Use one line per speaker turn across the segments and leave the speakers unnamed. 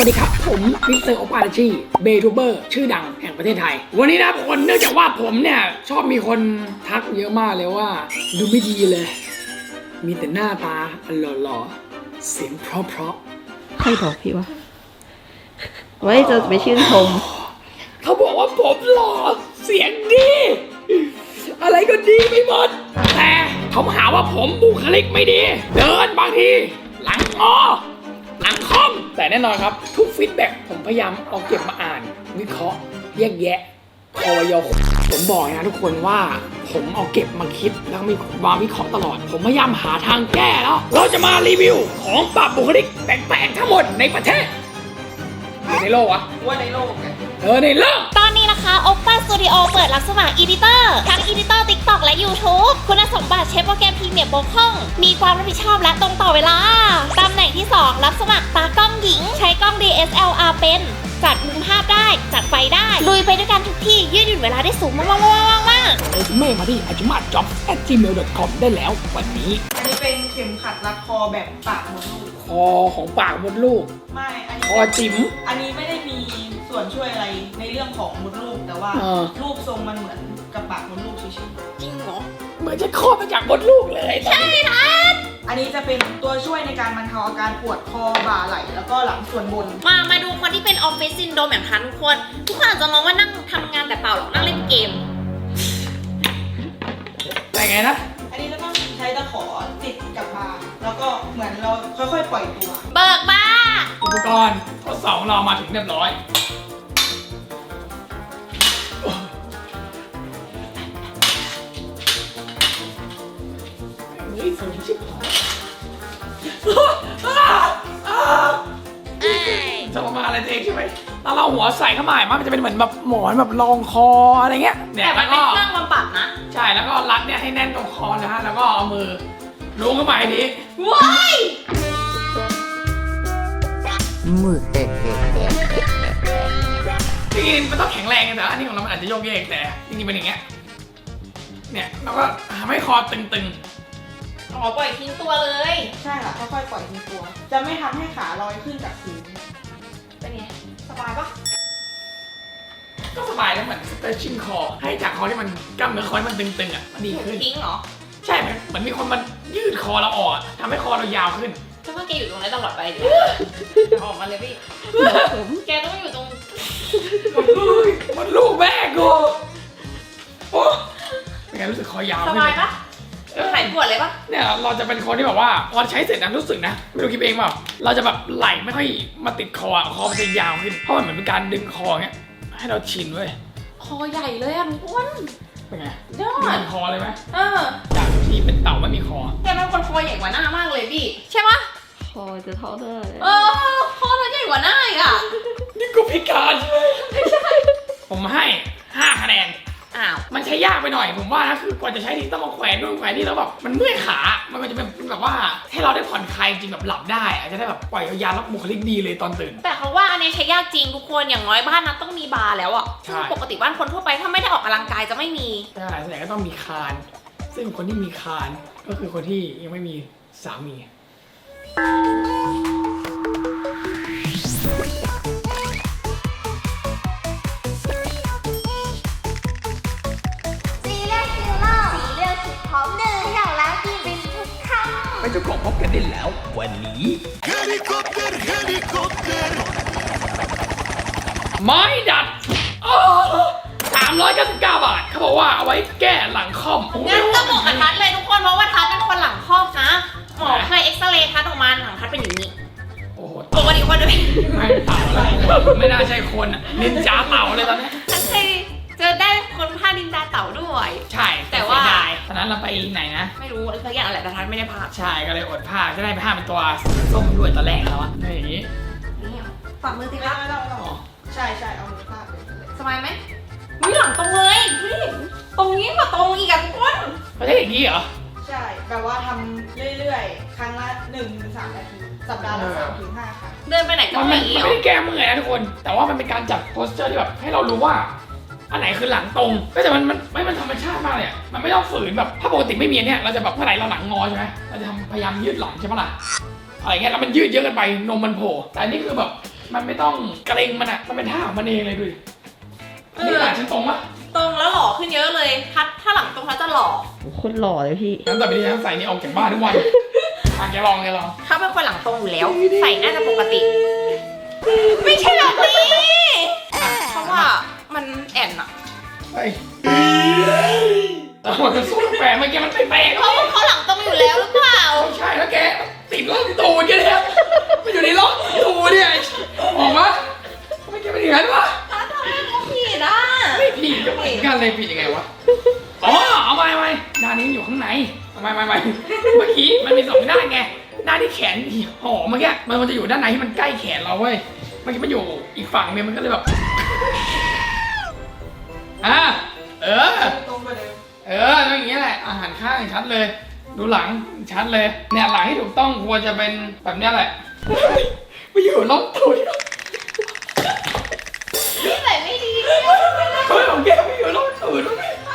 วัสดีครับผมมิสเตอร์โอปาราชีเบทูเบอร์ชื่อดังแห่งประเทศไทยวันนี้นะคนเนื่องจากว่าผมเนี่ยชอบมีคนทักเยอะมากเลยว่าดูไม่ดีเลยมีแต่หน้าตาหล่อๆเสียงเพราะ
ใครบอกพี่วะไว้จะไปชื่นชม
เขาบอกว่าผมหล่อเสียงดีอะไรก็ดีไปหมดแต่เขาหาว่าผมบุคลิกไม่ดีเดินบางทีหลังงอหลังคอมแต่แน่นอนครับทุกฟีดแบ็กผมพยายามเอาเก็บมาอ่านวิเคราะห์แยกแยะคอยผมบอกนะทุกคนว่าผมเอาเก็บมาคิดแล้วมีมาวิเคราะห์ตลอดผมพยายามหาทางแก้แล้วเราจะมารีวิวของปรับบุคลิกแปลกๆทั้งหมดในประเทศในโลกวะว่าในโลกไงในโลก
ตอนนี้นะคะ Oppa Studio เปิดรับสมัครอีดิเตอร์ทั้งอีดิเตอร์ TikTok และ YouTube คุณสมบัติใช้โปรแกรมพรีเมียร์บกพร่องมีความรับผิดชอบและตรงต่อเวลาตำแหน่งที่ 2 รับสมัครตากล้องหญิงใช้กล้อง DSLR เป็นจัดมุมภาพได้จัดไฟได้ลุยไปด้วยกันทุกที่ยืดหยุ่นเวลาได้สูงมาก
เรซูเม่มาที่ ajumatjobs@gmail.com ได้แล้ววันนี้
อันนี้เป็นเข็มขัดรัดคอแบบปากมดลูก
คอของปากมดลูก
ไม่อันนี้
คอจิ๋ม
อันนี้ไม่ได้มีส่วนช่วยอะไรในเรื่องของมดลูกแต่ว่ารูปทรงมันเหมือนกับปากมดลูกเฉยๆ
จริงเหรอ
เหมือนจะคลอดมาจากมดลูกเลย
ใช่ทัน
อันนี้จะเป็นตัวช่วยในการบรรเทาอาการปวดคอบ่าไหล่แล้วก็หลังส่วนบน
มาดูคนที่เป็นออฟฟิศซินโดรมอย่างทันทุกคนอาจจะมองว่านั่งทำงานแต่เปล่าหรอกนั่งเล่นเกม
อะไรไงนะ
อันนี้จะต้องใช้ตะขอติดกับบ่าแล้วก็เหมือนเราค่อยๆปล่อยตัว
เบิกบ้า
อุปกรณ์ทดสอบเรามาถึงเรียบร้อยสูงชิบหายจะมาอะไรเองใช่ไหมถ้าเราหัวใส่เข้ามามันจะเป็นเหมือนแบบหมอนแบบรองคออะไรเงี้ย
เนี่ยแต่มันเป็นเครื่องบำบัดนะ
ใช่แล้วก็รัดเนี่ยให้แน่นตรงคอนะฮะแล้วก็เอามือล้วงเข้าไปนี้
ว้าย
มือจริงๆมันต้องแข็งแรงแต่อันนี้ของเรามันอาจจะโยกเยกแต่จริงๆเป็นอย่างเงี้ยเนี่ยแล้วก็ทำให้คอตึง
ปล่อยทิ้งตัวเลย
ใช่ค่ะค่อยๆปล่อยทิ้งตัวจะไม่ทำให้ขาลอยขึ้นจากพื้น
เป็นไงสบายปะ
ก็สบายแล้วเหมือนสเตรชชิ่งคอให้จากคอที่มันกล้ามเนื้อคอที่มันตึงๆอ่ะมันดีขึ้น
ทิ้งเหรอ
ใช่เหมือนมีคนมันยืดคอเราออกทำให้คอเรายาวขึ้น
ฉันว่าแกอยู่ตรงนั้นตลอดไปดิออกมาเลยพี่แกต้องอยู่ตรง
มันลูกแม่กูโอ้เป็นไงรู้สึกคอยาว
สบายปะหายปวดเลยปะ
เนี่ยเราจะเป็นคนที่แบบว่าพอใช้เสร็จนะรู้สึกนะไม่รู้คิดเองเปล่าเราจะแบบไหลไม่ค่อยมาติดคอมันจะยาวขึ้นเพราะมันเหมือนเป็นการดึงคอเงี้ยให้เราชินเว้ย
คอใหญ่เลยอ่ะอ้วน
เป็นไงยอดคอเลยไหมจากที่เป็นเต่าไม่มีคอ
แกเป็นคนคอใหญ่กว่าหน้ามากเลยพี่ใช่ปะ
คอจะเท่าเดิม
คอเราใหญ่กว่าหน้าอีกอ่ะ
นี่กูพิการใช่ไหมไม่ใช่ผมให้5 คะแนนมันใช้ยากไปหน่อยผมว่านะคือกว่าจะใช้ทีต้องมาแขวนนู่นแขวนนี่แล้วแบบมันเมื่อยขามันจะเป็นแบบว่าให้เราได้ผ่อนคลายจริงแบบหลับได้อาจจะได้แบบปล่อยยาวๆแล้วบุคลิกดีเลยตอนตื่น
แต่เขาว่าอันนี้ใช้ยากจริงทุกคนอย่างน้อยบ้านนั้นต้องมีบาร์แล้วอ่ะปกติบ้านคนทั่วไปถ้าไม่ได้ออกกำลังกายจะไม่มี
ใช่ส่วนใหญ่ก็ต้องมีคานซึ่งคนที่มีคานก็คือคนที่ยังไม่มีสามีไม่จะกบพบกันได้แล้ววันนี้เฮลิคอปเตอร์ไม้ดัด399 บาทเขาบอกว่าเอาไว้แก้หลังค่อม
งั้นต้องบอกกับทัศเลยทุกคนเพราะว่าทัศเป็นคนหลังค่อมนะหมอเคยเอ็กซเรย์ทัศออกมาหลังทัศเป็นอย่างนี้
โอ้โห
ปกติคนจะ
ไม่เต่าอะไรไม่น่าใช่คนนินจาเต่าเลยตอนนี้
ทัศเคยเจอได้คนพานินจาเต่าด้วย
ใช่
แต่ว่า
ตอนนั้นเราไปไหนนะ
ไม่รู้สักอย่างอะไรแต่ทัศไม่ได้พา
ใช่ก็เลยอดพาจะได้พาเป็นตัวส้มด้วยตอนแรกแล้วอะอย่างนี้
ฝ่ามือติครับ
ไม่ใช่เอามือพาดเลย
สบายไหมมือหลังตรงเลยตรงนี้กว่าตรงอีกอ่ะทุกคน
ไม่ใช่อย่างนี้เหรอ
ใช่แปลว่าทำเรื่อยๆครั้งละ 1-3 นาทีสัปดาห์ละ 3-5 ครั้ง
เดินไปไหนก็
ไม่ได้แก้เมื่อยนะทุกคนแต่ว่ามันเป็นการจัดโพสเจอร์ที่แบบให้เรารู้ว่าอันไหนคือหลังตรงก็แต่มันธรรมชาติมากเลยมันไม่ต้องฝืนแบบถ้าปกติไม่มีเนี่ยเราจะแบบเมื่อไหร่เราหลังงอใช่ไหมเราจะพยายามยืดหลังใช่ไหมล่ะอะไรเงี้ยแล้วมันยืดเยอะเกินไปนมมันโผล่แต่อันนี้คือแบบมันไม่ต้องเกรงมันอ่ะมันเป็นท่าของมันเองเลยดูดินี่หลังฉันตรงปะ
ตรงแล้วหล่อขึ้นเยอะเลยถ้าหลังตรงแล้วจะหล่อ
โคตรหล่อเลยพี่
งั้นต่อไปนี้ฉันใส่นี่ออกจากบ้านทุกวันแกลอง
ถ้าเป็นคนหลังตรงอยู่แล้ว ใส่น่าจะปกติ ไม่ใช่แบบนี้เพราะว่ามันแอนอะ
เฮ้ยแต่หัวมันสู้แปลกเมื่อกี้มันแปลก
เพราะว่าเขาหลังตรงอยู่แล้วหรือเปล่า
ไม่ใช่แล้วแกติดล็อกตูดแกเนี่ยมันอยู่ในล็อกตูดเนี่ยออกมาทำไมแกเป็นอย่างนั้นวะ
ถ้าทำให้เขาผิดอ่ะ
ไม่ผิดก็เหมือนกันเลยผิดยังไงวะอ๋อเอาไปด้านนี้อยู่ข้างในเอาไปเมื่อกี้มันมีสองด้านไงด้านที่แขนห่อเมื่อกี้มันจะอยู่ด้านไหนที่มันใกล้แขนเราเว้ยเมื่อกี้มันอยู่อีกฝั่งนึงมันก็เลยแบบ
ตรงไปเลย
ต้องอย่างเงี้ยแหละอาหารข้างชัดเลย ดูหลังชัดเลยเนี่ยหลังที่ถูกต้องควรจะเป็นแบบเนี้ยแหละไม่อยู่ล็อกตูด
นี่ใส่ไม่ดี
เฮ้ยของแกไม่อยู่ล็อกตูด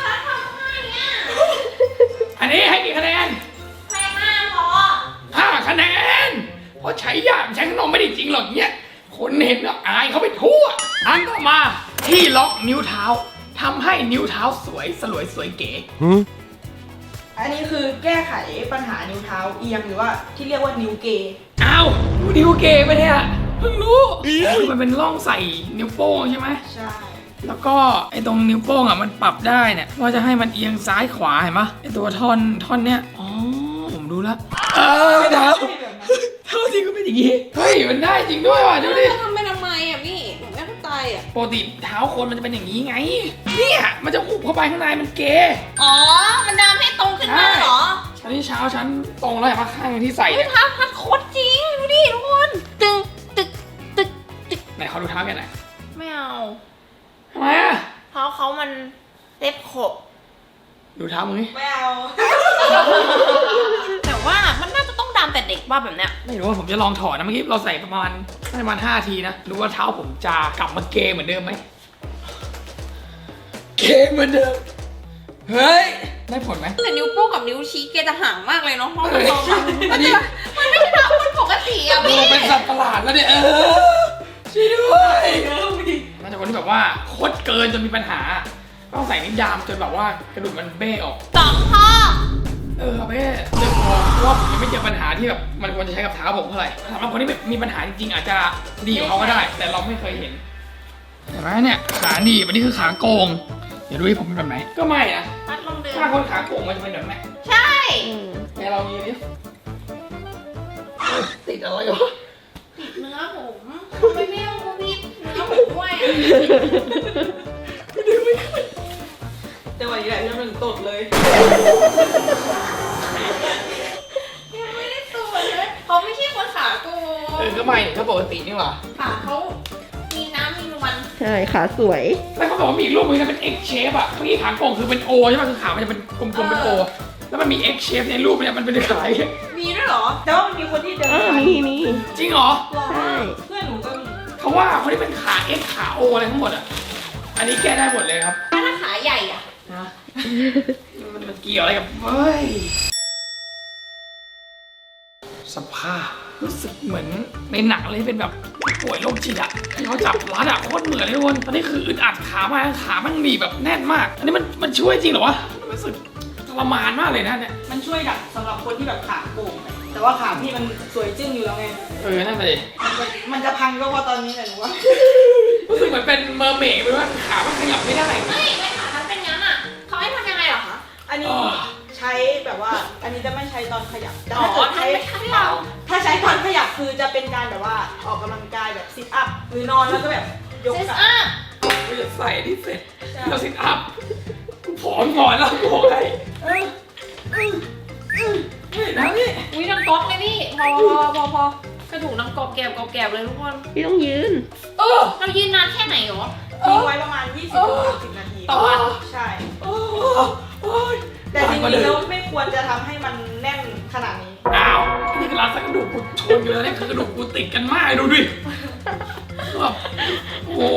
อันนี้ให้กี่คะแนน
แพงมากพอ
5 คะแนนเพราะใช้ยากใช้ขนมไม่ได้จริงหรอกเนี่ยคนเห็นแล้วอายเขาไปทั่วอันต่อมาที่ล็อกนิ้วเท้าทำให้นิ้วเท้าสวยสลวยสวยเก๋
อันนี้คือแก้ไขปัญหานิ้วเท้าเอียงหรือว่าที่เรียกว่านิ้วเกย์
อ้าวนิ้วเก๋ไปเนี่ยเพิ่งรู้คือมันเป็นร่องใส่นิ้วโป้งใช่ไหม
ใช่
แล้วก็ไอ้ตรงนิ้วโป้งอ่ะมันปรับได้เนี่ยว่าจะให้มันเอียงซ้ายขวาเห็นปะไอ้ตัวท่อนเนี้ยอ๋อผมรู้แล้วไม่เท้าเท้าจริงก็เป็นอย่างงี้เฮ้ยมันได้จริงด้วยว่ะดูดิ
จะทำไปทำไมอ่ะพี่หนูไม่เข้าใจอ่ะ
ปกติเท้าคนมันจะเป็นอย่างนี้ไงเนี่ยมันจะหุบเข้าไปข้างในมันเก๋
อ๋อ มันดำให้ตรงขึ้นมาเหรอ
ชั้นที่เช้าชั้นตรงแล้วเห็นปะข้างที่ใส่
เฮ้ย
เนี่ย
เท้าพัดโคตรจริง ดูดิทุกคน ตึงตึกตึกตึก
ไหนเขาดูเท้าแกไหนอย
ไม่เอา
ทำไมอ่ะ
เพราะเขามันเล็บขบ
ดูเท้ามึงนี่
ไม่เอา
แต่ว่ามันน่าจะต้องดำแต่เด็กว่าแบบเนี้ย
ไม่รู้ว่าผมจะลองถอดนะเมื่อกี้เราใส่ประมาณ5 ทีนะดูว่าเท้าผมจะกลับมาเกย์เหมือนเดิมไหมเกย์เหมือนเดิมเฮ้ยได้ผลไหม
แต่นิ้วโป้งกับนิ้วชี้เกจะห่างมากเลยเนาะเพราะมันโตมา
อันนี้
มันไม่ใช่เท้าคนปกติอ่ะ
ดู
พี่
เป็นสัตว์ประหลาดแล้วเนี่ยช่วยด้วยน่าจะคนที่แบบว่าโคตรเกินจนมีปัญหาต้องใส่นิ้วดามจนแบบว่ากระดูกมันเบ้ออก
2 ข้อ
เอาไปเรื่องพอเพราะว่าผมยังไม่เจอปัญหาที่แบบมันควรจะใช้กับเท้าผมเท่าไหร่สำหรับคนที่มีปัญหาจริงๆอาจจะดีกว่าเขาก็ได้ แต่เราไม่เคยเห็นเห็นไหมเนี่ยขาหนีบอันนี้คือขาโกงเดี๋ยวดูให้ผมเป็นแบบไหนก็ไม่นะ
พัดลองเดิน
ถ้าคนขาโกงมันจะเป็นแบบไหน
ใช่
ไหนเรามีดิติดอะไรวะ
เนื้อผมทำไมไม่เอาพี่เนื้อผมด้วยอ่ะ
จังหวะนี้แหละที่มันตดเลย
ยังไม่ได้ตัวเลยเขาไม่ใช่คนขาโกง
ก็ไม่ถ้าปกตินี่หว่า
ขาเขามีน้ำมีนวล
ใช่ขาสวย
แล้วเขาบอกว่ามีอีกรูปนึงนะเป็น X shape อะเมื่อกี้ขาโกงคือเป็น O ใช่ไหมคือขามันจะเป็นกลมๆเป็น O แล้วมันมี X shape ในรูปเนี่ยมันเป็นขา
มีด้วยเหรอ แต่ว่ามันมีคนที่เดิน
มี
จริงเหรอ
หรอ
ใช่
เพื่อนหนูก็มี
เขาว่าคนที่เป็นขา X ขา O อะไรทั้งหมดอ่ะ อันนี้แก้ได้หมดเลยครับ
ถ้าขาใหญ่อ่ะ
นะมันเกี่ยวอะไรกับเฮ้ย สภาพรู้สึกเหมือนในหนังเลยเป็นแบบป่วยโรคจิตอ่ะที่เขาจับรัดอ่ะโคตรเหมือนเลยทุกคนตอนนี้คืออึดอัดขามาขามันหนีบแบบแน่นมาก อันนี้มันช่วยจริงเหรอวะรู้สึกทรมานมากเลยนะเนี่ย
มันช่วยดักสำหรับคนที่แบบขาโก่งอะแต่ว่าขาพี่มันสวยจึ้งอยู่แล้วไง
นั่นเลย
มันจะพังก็เพราะตอนนี้แหละหนูว่า
รู้สึกเหมือนเป็นเมอร์เมดไปว่าขามันขยับไม่ได้
ไม่ขามันเป็นงั้นอ่ะเขาให้ทำยังไงเหรอคะ
อันนี้ใช้แบบว่า อันนี้จะไม่ใใช้ตอนขยับแต่
อ๋อ
ถ้าเกิด
ทำไม่ทันเรา
ถ้าใช้ตอนขยับคือจะเป็นการแบบว่าออกกำลังกายแบบซิทอัพหรือนอนแล้วก็แบบยก
เซส
กลับ
อัพ
กูจะใส่ที่เสร็จเราซิทอัพกูผอมก่อนแล้วกูบอกให้ไม่นะนี่
อุ้ยดังก๊อกเลยพี่ พอกระดูกดังกรอบแกบเลยทุกคน
พี่ต้องยืน
เรายืนนานแค่ไหนหรอ
ทิ้งไว้ประมาณ 20-30 นาที
ต่อวัน
ใช่
โอ้ย
แต่จริงๆแล้วไม่ควรจะทำให้มันแน่นขนาดนี้
อ้าวนี่คือร้านสักกระดูกกูชนอยู่แล้วเนี่ยคือกระดูกกูติดกันมากดูดิแบบโอ้โห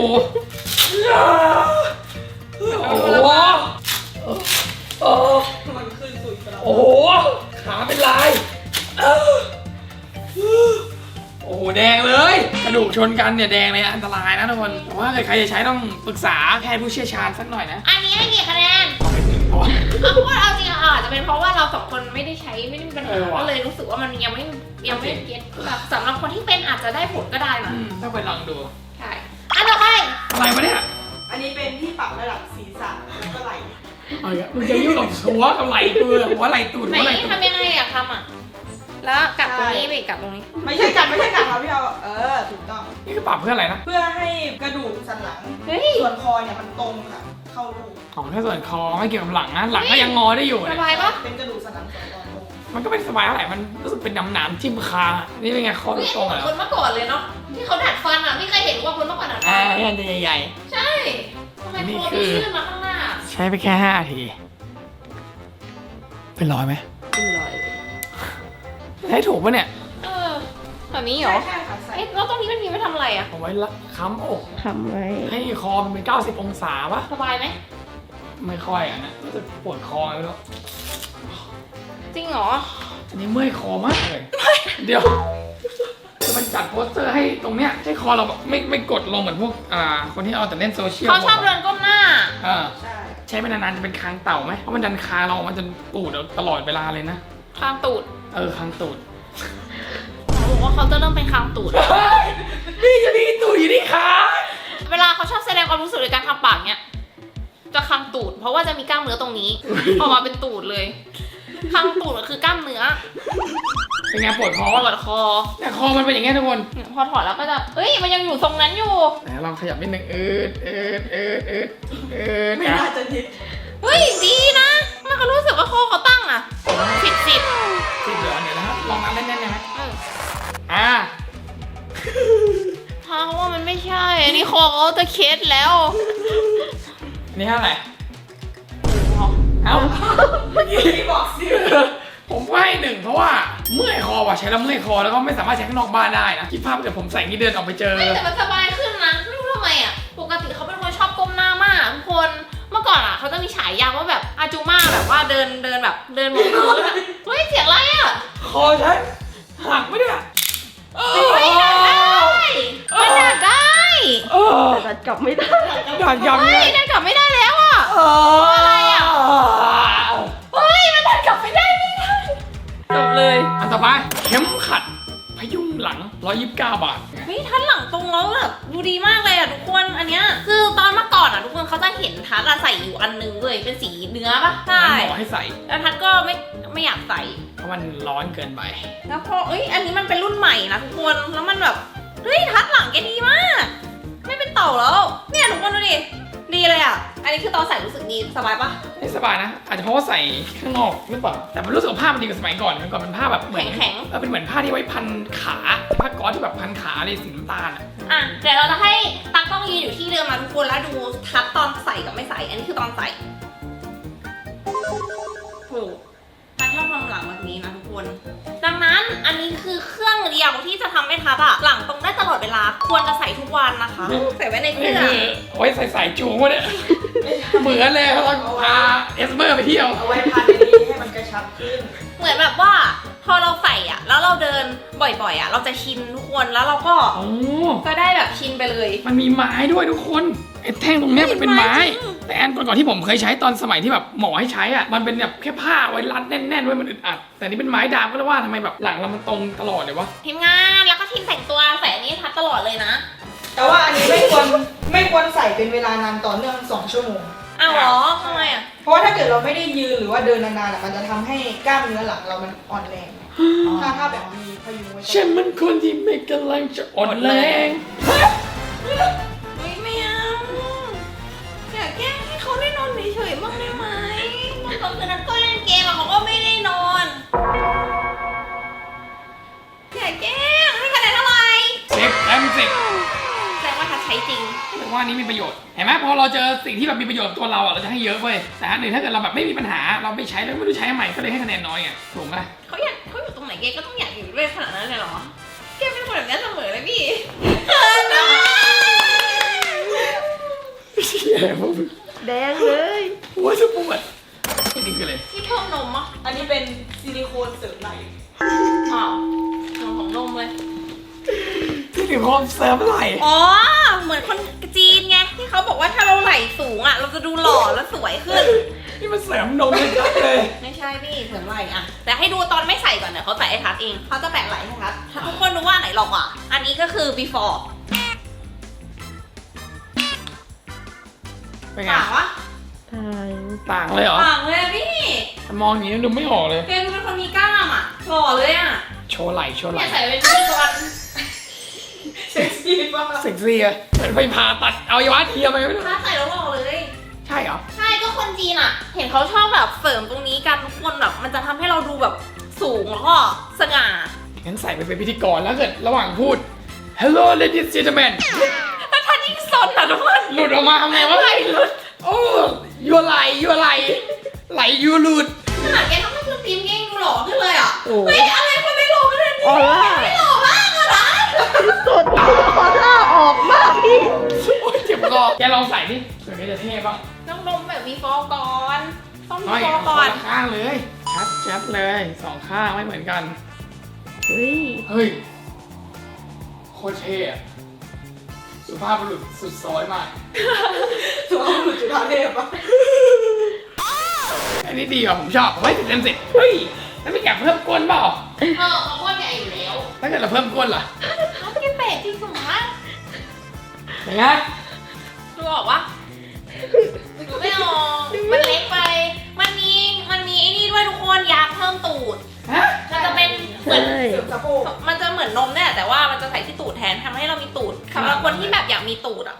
โอ้โหโอ้
มันขึ้นสุดไปแล้ว
โอ้โหขาเป็นลายโอ้โหแดงเลย กระดูกชชนกันเนี่ยแดงเลยอันตรายนะทุกคนแต่ว่าใครจะใช้ต้องปรึกษาแพทย์ผู้เชี่ยวชาญสักหน่อยนะ
อันนี้ให้กี่คะแนน
เพราะว่า
เอาพูดเอาจริงอะอาจจะเป็นเพราะว่าเราสองคนไม่ได้ใช้ไม่ได้มีปัญหา
ว่ะ
ก็เลยรู้สึกว่ามันยังไม่เก็ตแบบสำหรับคนที่เป็นอาจจะได้ผลก็ได้นะ
ต้องไปลองดู
ใช่อันต่อไป
อะไรวะเนี่ย
อันนี้เป็นที่ปรับระดับศีรษะแล้วก็ไหล่
เอาอีกแล้วมึงจะยุ่งกับหัวกับไหล่กูเหรอหัวไหล่ตูด
ไหน
หัวไหล่ตูด
ทำยังไงอะทำอะแล้วกัดตรงนี้ไปกัดตรงนี้
ไม่ใช่กัดครับพี่เอาถูกต้อง
นี่คือปรับเพื่ออะไรนะ
เพื่อให้กระดูกสันหลัง
เฮ้ย
ส่วนคอเนี่ยมันตรงค่ะเข้ารูป
ของแค่ส่วนคอไม่เกี่ยวกับหลังนะหลังก็ยังงอได้อยู่
ส
เนี่ย
บายปะ
เป็นกระดูกสันหลังสองตอนตรง
มันก็ไม่สบายเท่าไหร่มันรู้สึกเป็นหนามๆจิ้มคางอะนี่เป็นไงคอ
เฮ้ย
ตรง
เหมื
เหร
อน
อ
คนเมื่อก่อนเลยเนาะที่เขาดัดฟันอะพี่เคยเห็นว่าคนเมื่อก่อนดัดฟั
อ่าน อันใหญ่
ใช่ทำไม
นี่
คอ
คื
ไม่
อ
ชื่นมาข้างหน้า
ๆใช้ไปแค่5 นาทีเป็นรอยไหม
เป็นรอยเลย
ใช้ถูกปะเนี่ย
แบบนี้เหรอ
ใช่ค่ะใส่
เอ๊ะแล้วตรงนี้มันมีไว้ทำอะไรอะ
เอาไว้ละค้ำอก
ทำไว้
ให้คอมันเป็น90 องศาปะ
สบายไหม
ไม่ค่อยอ่ะนะรู้สึกปวดคอเลยแล้ว
จริงเหรอ
อันนี้เมื่อยคอมากเลยเดี๋ยวจะมันจัดโปสเตอร์ให้ตรงเนี้ยให้คอเราแบบไม่กดลงเหมือนพวกคนที่เอาแต่เล่นโซเชียล
เขาชอบเดินก้มหน้า
ใช่
ใช้ไปนานๆจะเป็นคางเต่าไหมเพราะมันดันคางเรามันจะปูดตลอดเวลาเลยนะ
คางตูด
คางตูด
เขาบอกว่าเขาจะเริ่มเป็นคางตูด
นี่จะมีตูดอยู่ที่ขา
เวลาเขาชอบแสดงความรู้สึกในการทำปากเนี้ย จะคางตูด เพราะว่าจะมีกล้ามเนื้อตรงนี้ ออกมาเป็นตูดเลย คางตูดก็คือกล้ามเนื้อ
เป็นไงปวดคอ
ปวดคอ
แต่คอมันเป็นอย่างเงี้ยทุกคน
พอถอดแล้วก็จะเอ้ย มันยังอยู่ทรงนั้นอยู่
ไหนลองขยับนิดนึง
ไม่
นะ
น่าจะทิศ
เฮ้ย ดีนะมันเขารู้สึกว่าคอเขาตั้งอะ10
สิบเหลือเดี๋ยวนะครับลองนับแน่นๆได้ไหม
ถ้าว่ามันไม่ใช่ อันนี้คอเขาจะเคสแล้ว
อันนี้เท่าไหร่เอ้าเมื่อกี้
ที่บอกสิ
ผมให้1เพราะว่าเมื่อยคอว่ะใช้แล้วเมื่อยคอแล้วก็ไม่สามารถใช้ข้างนอกบ้านได้นะคิดภาพเกิดผมใส่นี่เดินออกไปเจอ
ไม่แต่มันสบายขึ้นนะ ไม่รู้ทำไมอ่ะ ปกติเขาเป็นคนชอบก้มหน้ามากทุกคน เมื่อก่อนอ่ะเขาจะมีฉายาว่าแบบอาจูมาแบบว่าเดินแบบเดินบนพื้นอะเฮ้ยเสียงอะไรอ่ะ
คอใช้หักไหมเนี่ย
ไม่ดัดได้มันดัดได้
แต่ดัดกลับไม่ได้
ดันยำ
เฮ้
เนี่ย ย
ดัดกลับไม่ได้แล้วอ่ะ อะไรอ่ะ เฮ้ยมันดัดกลับไม่ได้จบเลย
อันต่อไปเข็มขัดพยุงหลัง129 บาท
เฮ้ยทัดหลังตรงแล้วแบบดูดีมากเลยอ่ะทุกคนอันเนี้ยคือตอนเมื่อก่อนอ่ะทุกคนเขาจะเห็นทัดอะใส่อยู่อันนึงเลยเป็นสีเนื้อปะใช่
มันหมอให้ใส่
แล้วทัดก็ไม่อยากใส่
เพราะมันร้อนเกินไป
แล้วพอเอ้ยอันนี้มันเป็นรุ่นใหม่นะทุกคนแล้วมันแบบเฮ้ยทัดหลังแกดีมาก ไม่เป็นเต่าแล้วเนี่ยทุกคนดูดิดีเลยอ่ะอันนี้คือตอนใส่รู้สึกดีสบายปะ
ไม่สบายนะ อาจจะเพราะว่าใส่ข้างนอกหรือเปล่าแต่มันรู้สึกว่าผ้ามันดีกว่าสมัยก่อนมันก่อนเป็นผ้าแบบเหมือน
แข็ง
เป็นเหมือนผ้าที่ไว้พันขาผ้าก๊อซที่แบบพันขาเลยสีน้ำตาลอ่ะ
อ่ะเดี๋ยวเราจะให้ตากล้องยืนอยู่ที่เดิมมาทุกคนแล้วดูทัดตอนใส่กับไม่ใส่ อันนี้คือตอนใส่โหทัดชอบทำหลังแบบนี้นะทุกคน ดังนั้นอันนี้คือเครื่องเดียวที่จะทำให้ทัดอะหลังตรงได้ตลอดเวลา ควรจะใส่ทุกวันนะคะใส่ไว้ในเสื้
นี่
อ
คือไว้ใส่สายจูงวะเนี่ยเหมือนเลยเขาพาเอสเมอร์ไปเที่ยว
เอาไว้พันในนี้ให้มันกระชับขึ้น
เหมือนแบบว่าพอเราใส่อะแล้วเราเดินบ่อยๆอะเราจะชินทุกคนแล้วเราก็
โอ้
ก็ได้แบบชินไปเลย
มันมีไม้ด้วยทุกคนไอ้แท่งตรงเนี้ยมันเป็นไม้
ไม้จริง
แต่อันก่อนๆที่ผมเคยใช้ตอนสมัยที่แบบหมอให้ใช้อ่ะมันเป็นแบบแค่ผ้าไว้รัดแน่นๆไว้มันอึดอัดแต่นี่เป็นไม้ดามก็เลยว่าทำไมแบบหลังเรามันตรงตลอดเลยวะ
ทีมงานแล้วก็ทีมแต่งตัวใส่อันนี้ทัดตลอดเลยนะ
แต่ว่าอันนี้ไม่ควรใส่เป็นเวลานานต่อเนื่อง2 ชั่วโมง
อ้าวเหรอทำไมอะ
เพราะว่าถ้าเกิดเราไม่ได้ยืนหรือว่าเดินนานๆอะมันจะทำให้กล้ามเนื้อหลังเรามันอ่อนแรง ถ้าแบบมีพยุงไว้
ฉันมันคนที่ไม่กำลังจะอ่อนแรง
ไม่เอาอยากแกล้งให้เขาได้นอนเฉยๆบ้างได้ไหมบางคนคืนนั้นก็เล่นเกมอะเขาก็ไม่ได้นอนอยากแกล้งให้คะแนนเท่าไหร่
10
แสดงว่าทัดใช้จริง
แต่ว่านี้มีประโยชน์เห็นไหมพอเราเจอสิ่งที่แบบมีประโยชน์กับตัวเราอ่ะเราจะให้เยอะเว้ยแต่อันหนึ่งถ้าเกิดเราแบบไม่มีปัญหาเราไม่ใช้แล้วไม่รู้ใช้ทำไมก็เลยให้คะแนนน้อยไงถูกไหม
เขาอยู่ตรงไหนเกก็ต้องอยากอยู่ด้วยขนาดนั้นเลยเหรอเกเป็นคนแบบนี้เสมอเลยพี่เขินนะ
เชี่ยพวกมึง
แดงเลย
หัวจะปวดนี่คืออะไร
ที่เพิ่มนมอ่ะ
อันนี้เป็นซิลิโคนเสริมไหล่
อ้าวของนมเลย
ที่ถึงความเสเสริมไหล่
อ๋อ เหมือนคนจีนไงที่เขาบอกว่าถ้าเราไหล่สูงอ่ะ เราจะดูหล่อและสวยขึ้น
นี่มันเสริมนมเลยจังเลย
ไม่ใช่พี่เสริมไหล่อะแต่ให้ดูตอนไม่ใส่ก่อนเดี๋ยวเขาใส่ให้ทัดเองเขาจะแปะไหล่ให้ทัดถ้าทุกคนรู้ว่าไหนหลอกอ่ะอันนี้ก็คือ before
เป็นไง
ต่างวะ
ต่างเลยเหรอ
ต่างเลยอะพี่
มองอย่างนี้ดูไม่ออกเลย
เกมเป็นคนมีกล้ามอ่ะหล่อเลยอ่ะ
โชว์ไหล่โชว์ไห
เนี่
ล่
ยใส่เป็นพิธีกรเซ็กซี่มาก
เซ็กซี่อะเหมือนไปผ่าตัดเอาอวัยวะเทียมไปไม่รู้
ถ้าใส่แล้วหล่อเลย
ใช่เหรอ
ใช่ก็คนจีนอ่ะ เห็นเขาชอบแบบเสริมตรงนี้กันทุกคนแบบมันจะทำให้เราดูแบบสูงแล้วก็สง่า
งั้นใส่ไปเป็นพิธีกรแล้วเกิดระหว่างพูด Hello ladies and gentlemen
แล้วท่านยิ่งสนอ่ะทุกคน
หลุดออกมาทำไงวะ
ไหลหลุด
โอ้ยัวไหลไหลยูหลุด
ขนาดแกทำให้คุณฟิล์มเองดูหล่อขึ้นเลยอ่ะ
โอ้
เฮ้ยอะไรคนไม่หล่อขนาดนี้
ออร่า
ไม่หล่อมากอะนะ
สุดออร่าออกมากพี่
โอ้ยเจ็บคอแกลองใส่ดิเผื่อแกจะเท่บ้าง
ต้องดมแบบมีฟอร์ก่อนต้องมี
ไม่
ฟอร์
ค
ก่อน น
ละข้างเลยชัดเลยสองข้างไม่เหมือนกัน
เฮ้ย
เฮ้ยโคตรเท่อะสุภาพบุรุษสุดซอยมาก
สุภาพบุรุษจุฬาเทพอะ
อันนี้ดีอ่ะผมชอบผมให้10 เต็ม 10เฮ้ยแล้วไม่อยากเพิ่มก้นเปล่า
เขาอ้วนใหญ่อยู่แล้ว
ถ้าเกิดเราเพิ่มก้นล่ะ
เขาเป็นเป็ดจริงเหรอ
อย่างไง
ดูออกวะดูไม่ออกมันเล็กไป มันมีไอ้นี่ด้วยทุกคนยาเพิ่มตูด
ฮะ
มันจะเป็นเหมือน
ใช่
เสริมสะโพก
มันจะเหมือนนมเนี่ยแต่ว่ามันจะใส่ที่ตูดแทนทำให้เรามีตูดสำหรับคนที่แบบอยากมีตูดอ่ะ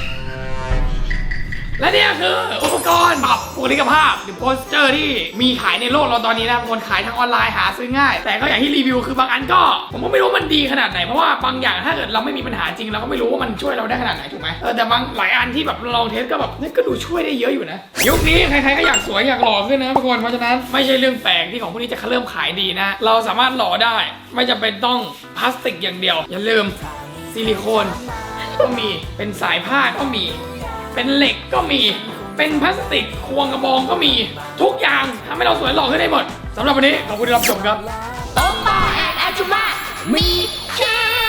และเนี่ยคืออุปกรณ์ปรับบุคลิกภาพหรือโพสเจอร์ที่มีขายในโลกเราตอนนี้นะคนขายทางออนไลน์หาซื้อง่าย แต่ก็อย่างที่รีวิวคือบางอันก็ผมก็ไม่รู้มันดีขนาดไหนเพราะว่าบางอย่างถ้าเกิดเราไม่มีปัญหาจริงเราก็ไม่รู้ว่ามันช่วยเราได้ขนาดไหนถูกไหมแต่บางหลายอันที่แบบลองเทสก็แบบนี่ก็ดูช่วยได้เยอะอยู่นะยุคนี้ใครๆก็อยากสวยอยากหล่อขึ้นนะทุกคนเพราะฉะนั้นไม่ใช่เรื่องแปลกที่ของพวกนี้จะเริ่มขายดีนะเราสามารถหล่อได้ไม่จำเป็นต้องพลาสติกอย่างเดียวอย่าลืมซิลิโคนก็มีเป็นสายผ้าก็มีเป็นเหล็กก็มีเป็นพลาสติกควงกระบองก็มีทุกอย่างทำให้เราสวยหล่อขึ้นได้หมดสำหรับวันนี้ขอบคุณที่รับชมครับ
โอปาแอนอาจูมามีเช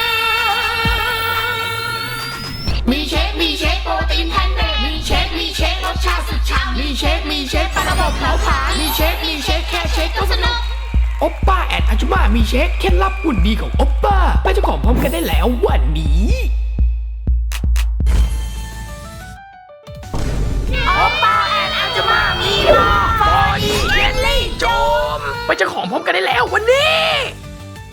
คโปรตีนแพนเดมีเชครสชาติสุดฉ่ำมีเชคปลาระบบเผาผลาญมีเชคแค่เชคก็สนุก
โอปป้าแอนอาจุมามีเช็คเคล็ดลับหุ่นดีของโอปป้าไปเจ้าของพร้อมกันได้แล้ววันนี้